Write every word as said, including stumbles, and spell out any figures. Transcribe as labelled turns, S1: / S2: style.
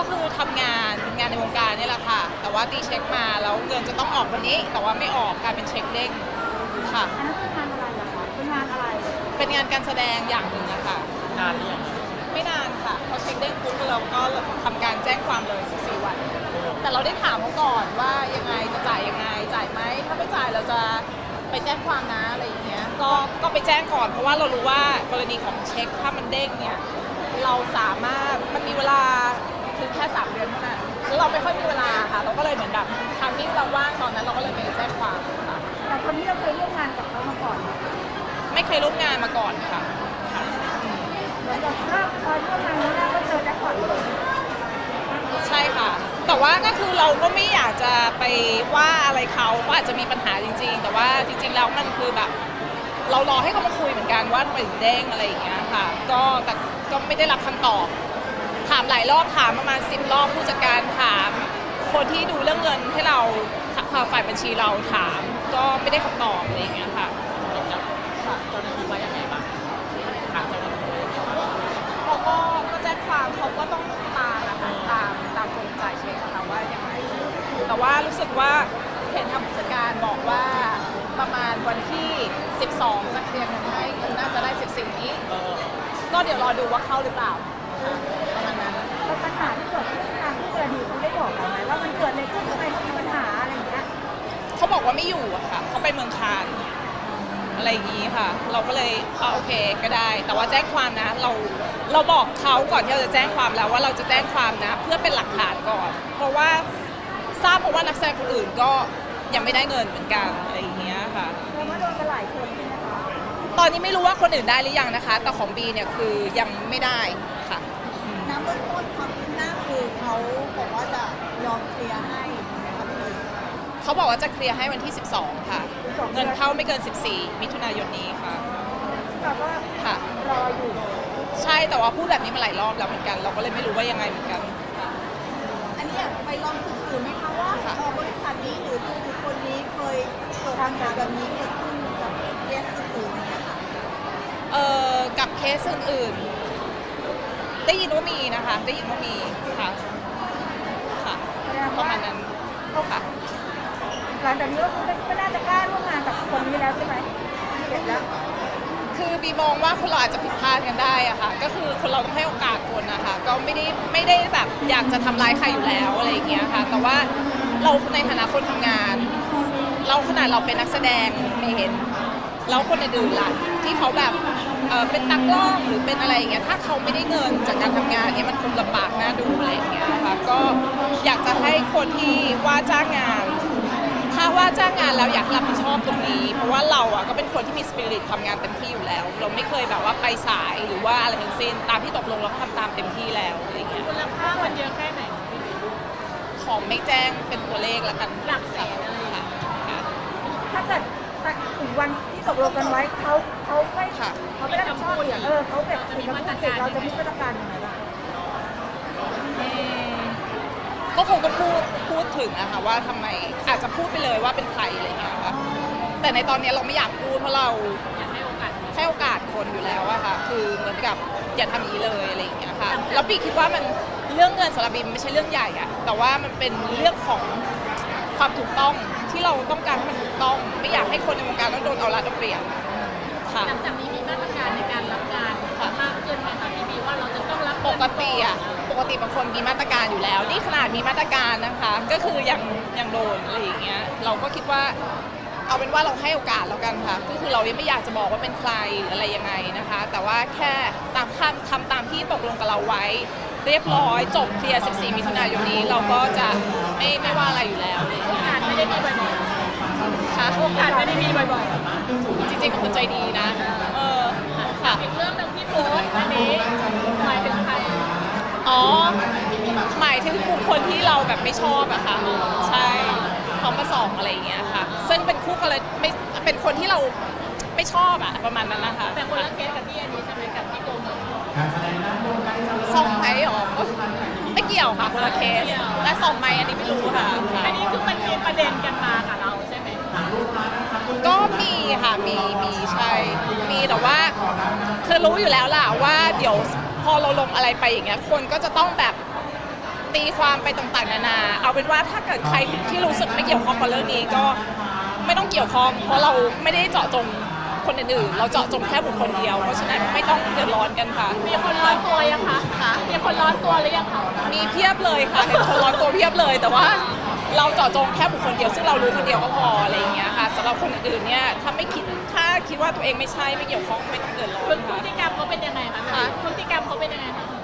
S1: คือทำงานงานในวงการนี่แหละค่ะแต่ว่าตีเช็คมาแล้วเงินจะต้องออกวันนี้แต่ว่าไม่ออกกลายเป็นเช็คเด้งค่ะ
S2: อันนั้นคืองานอะไรอะคะเป็นงานอะไร
S1: เป็นงานการแสดงอย่างหนึ่งนะคะ
S3: นานหรือยัง
S1: ไม่นานค่ะพอเช็คเด้งปุ๊บเราก็ทำการแจ้งความเลยสิบสี่วันแต่เราได้ถามเขาก่อนว่ายังไงจะจ่ายยังไงจ่ายไหมถ้าไม่จ่ายเราจะไปแจ้งความนะอะไรอย่างเงี้ยก็ก็ไปแจ้งก่อนเพราะว่าเรารู้ว่ากรณีของเช็คถ้ามันเด้งเนี่ยเราสามารถมันมีเวลาคือแค่สามเดือนเท่านั้นแล้วเราไม่ค่อยมีเวลาค่ะเราก็เลยเหมือนแบบทำที่เราว่างตอนนั้นเราก็เลยไปแจ้งความค่ะ
S2: แต่คนนี้เราเคยร่วมงานกับเขามาก่อนไหม
S1: ไม่เคยร่วมงานมาก่อนค่ะ
S2: เหมือนกับถ้าพอร่วมงานแล้วก็เจอแจ็คพอตเลย
S1: ใช่ค่ะแต่ว่าก็คือเราก็ไม่อยากจะไปว่าอะไรเขาก็อาจจะมีปัญหาจริงๆแต่ว่าจริงๆแล้วมันคือแบบเรารอให้เขามาคุยเหมือนกันว่าทำไมถึงเด้งอะไรอย่างเงี้ยค่ะก็แต่ก็ไม่ได้รับคำตอบถามหลายรอบถามประมาณสิบรอบผู้จัดการถามคนที่ดูเรื่องเงินให้เราฝ่ายบัญชีเราถามก็ไม่ได้คำตอบอะไรอย่างเงี้ยค่ะ
S3: เจ้าหน้าที่ว่ายังไงบ้างทางเจ้าหน้าที่
S1: เขาก็ก็แจ้งความเขาก็ต้องตามนะคะตามตามคนจ่ายเช็คค่ะว่ายังไงแต่ว่ารู้สึกว่าเห็นทางผู้จัดการบอกว่าประมาณวันที่สิบสองจะเคลียร์เงินให้เงินน่าจะได้สิบสี่นี้ก็เดี๋ยวรอดูว่าเข้าหรือเปล่าประมาณนั้น
S2: แล้วปัญหาที่เกิดขึ้นทางผู้กรณีเขาได้บอกเราไหมว่ามันเกิดอะไรขึ้นทำไมเขามีปัญหาอะไรอย่างเงี้ย
S1: เขาบอกว่าไม่อยู่อะค่ะเขาไปเมืองคานอะไรอย่างงี้ค่ะเราก็เลยเอาโอเคก็ได้แต่ว่าแจ้งความนะเราเราบอกเขาก่อนที่เราจะแจ้งความแล้วว่าเราจะแจ้งความนะเพื่อเป็นหลักฐานก่อนเพราะว่าทราบเพราะว่านักแสดงคนอื่นก็ยังไม่ได้เงินเหมือนกันอะไรอย่างเงี้ยค่ะ
S2: แล้วว่าโดนกันหลายคนใช่ไหมคะ
S1: ตอนนี้ไม่รู้ว่าคนอื่นได้หรือยังนะคะแต่ของบีเนี่ยคือยังไม่ได้ค่ะ
S2: น้ำเบื้องต้นความคืบหน้าคือเขาบอกว่าจะยอมเคลียร์ให้นะคะพี่
S1: เขาบอกว่าจะเคลียร์ให้วันที่สิบสองค่ะเงินเข้าไม่เกินสิบสี่มิถุนายนนี้ค่ะ
S2: แต่ว่า
S1: ค่ะ
S2: รออยู่
S1: ใช่แต่ว่าพูดแบบนี้มาหลายรอบแล้วเหมือนกันเราก็เลยไม่รู้ว่ายังไงเหมือนกัน
S2: อันนี้อยากไปลองสืบๆไหมคะว่าบริษัทนี้หรือตัวบุคคลนี้เคยเกิดปัญหาแบบนี้เกิดขึ้นกับเคสอื่นๆไหมคะ
S1: เอ่อกับเคสอื่นๆได้ยินว่ามีนะคะได้ยินว่ามีค่ะค่ะประมาณนั้นค่ะ
S2: หลังจากนี้ก็ไม่น่าจะกล้าร่วมงานกับคนนี้แล้วใช่ไหมเห็นแล้ว
S1: คือบีมองว่าคนเราอาจจะผิดพลาดกันได้อะค่ะก็คือคนเราต้องให้โอกาสคนนะคะก็ไม่ได้ไม่ได้แบบอยากจะทำร้ายใครอยู่แล้วอะไรอย่างเงี้ยค่ะแต่ว่าเราในฐานะคนทำงานเราขนาดเราเป็นนักแสดงไม่เห็นแล้วคนอื่นๆล่ะที่เขาแบบเออเป็นตากล้องหรือเป็นอะไรอย่างเงี้ยถ้าเขาไม่ได้เงินจากการทำงานเนี้ยมันคงลำบากน่าดูอะไรอย่างเงี้ยค่ะก็อยากจะให้คนที่ว่าจ้างงานถ้าว่าจ้างงานแล้วอยากรับผิดชอบตรงนี้เพราะว่าเราอ่ะก็เป็นคนที่มีสปิริตทำงานเต็มที่อยู่แล้วเราไม่เคยแบบว่าไปสายหรือว่าอะไรทั้งสิ้นตามที่ตกลงเราทำตามเต็มที่แล้วอะไรอย่างเงี้ย
S3: มูลค่าวันเยอะแค่ไหน
S1: ของไม่แจ้งเป็นตัวเลขแล้วกัน
S3: หลักแสนอะไรค่ะ
S2: ถ้าเกิดถึงวันที่ตกลงกันไว้เขาเขาไม่เขาไม่ได้ทำชอบอย่างเออเขาแบบจะมีมาตรการเราจะมีมาตรการยังไงบ้าง
S1: ก็คงก็พูดพูดถึงนะคะว่าทำไมอาจจะพูดไปเลยว่าเป็นใครอะไรเงี้ยค่ะแต่ในตอนนี้เราไม่อยากพูดเพราะเรา
S3: อยากให้โอกาส
S1: ให้โอกาสคนอยู่แล้วอะค่ะคือเหมือนกับอย่าทำอย่างนี้เลยอะไรอย่างเงี้ยค่ะแล้วปีคิดว่ามันเรื่องเงินสำหรับบีมไม่ใช่เรื่องใหญ่อะแต่ว่ามันเป็นเรื่องของความถูกต้องที่เราต้องการให้มันถูกต้องไม่อยากให้คนในวงการต้องโดนเอารัดเอาเปรียบ
S3: ค่ะหลังจากนี้มีมาตรการในการรับงานมากขึ้นไหมคะพี่บีว่าเราจะต้องรับ
S1: ปกติอะปกติบางคนมีมาตรการอยู่แล้วนี่ขนาดมีมาตรการนะคะก็คือยังยังโดนอะไรอย่างเงี้ยเราก็คิดว่าเอาเป็นว่าเราให้โอกาสแล้วกันค่ะก็คือเรายังไม่อยากจะบอกว่าเป็นใครหรืออะไรยังไงนะคะแต่ว่าแค่ตามทำทำตามที่ตกลงกับเราไว้เรียบร้อยจบเคลียร์สิบสี่มิถุนายนนี้เราก็จะไม่ไม่ว่าอะไรอยู่แล้ว
S3: โอกาสไม่ได้มีบ่อย
S1: ๆค่ะ
S3: โอกาสไม่ได้มีบ่อย
S1: ๆจริงๆเป็นคนใจดีนะเออ
S3: ค่ะอีกเรื่องหนึ่งที่โพสต์อันนี้หมายถึงใคร
S1: อ๋อหมายถึงบุคคลที่เราแบบไม่ชอบอะค่ะใช่เขามาส่องอะไรอย่างเงี้ยค่ะซึ่งเป็นคู่กันเลยไม่เป็นคนที่เราไม่ชอบอะประมาณนั้นนะคะ
S3: แต่คนละเคสกับที่อันนี้ใช่ไหมกับที่โกงเงิน
S1: ส่องไหมหรอไม่เกี่ยวค่ะคนละเคสและส่องไหมอันนี้ไม่รู้ค่ะ
S3: อันนี้คือมันมีประเด็นกันมากับเราใช่ไหม
S1: ก็มีค่ะมีมีใช่มีแต่ว่าคือรู้อยู่แล้วล่ะว่าเดี๋ยวพอเราลงอะไรไปอย่างเงี้ยคนก็จะต้องแบบตีความไปต่างๆนานาเอาเป็นว่าถ้าเกิดใครที่รู้สึกไม่เกี่ยวข้องกับเรื่องนี้ก็ไม่ต้องเกี่ยวข้องเพราะเราไม่ได้เจาะจงคนอื่นๆเราเจาะจงแค่บุคคลเดียวเพราะฉะนั้นไม่ต้องเดือดร้อนกันค่ะ
S3: มีคนร้อนตัวยังคะมีคนร้อนตัวหรือยังคะ
S1: มีเพียบเลยค่ะเห็นคนร้อนตัวเพียบเลย แต่ว่าเราเจาะจงแค่บุคคลเดียวซึ่งเรารู้คนเดียวก็พออะไรอย่างเงี้ยค่ะสำหรับคนอื่นๆเนี่ยถ้าไม่คิดถ้าคิดว่าตัวเองไม่ใช่ไม่เกี่ยวข้องไม่ต้องเดือดร้อน
S3: พฤติกรรมเขาเป็นยังไงคะพฤติกรรมเขาเป็นยังไงคะ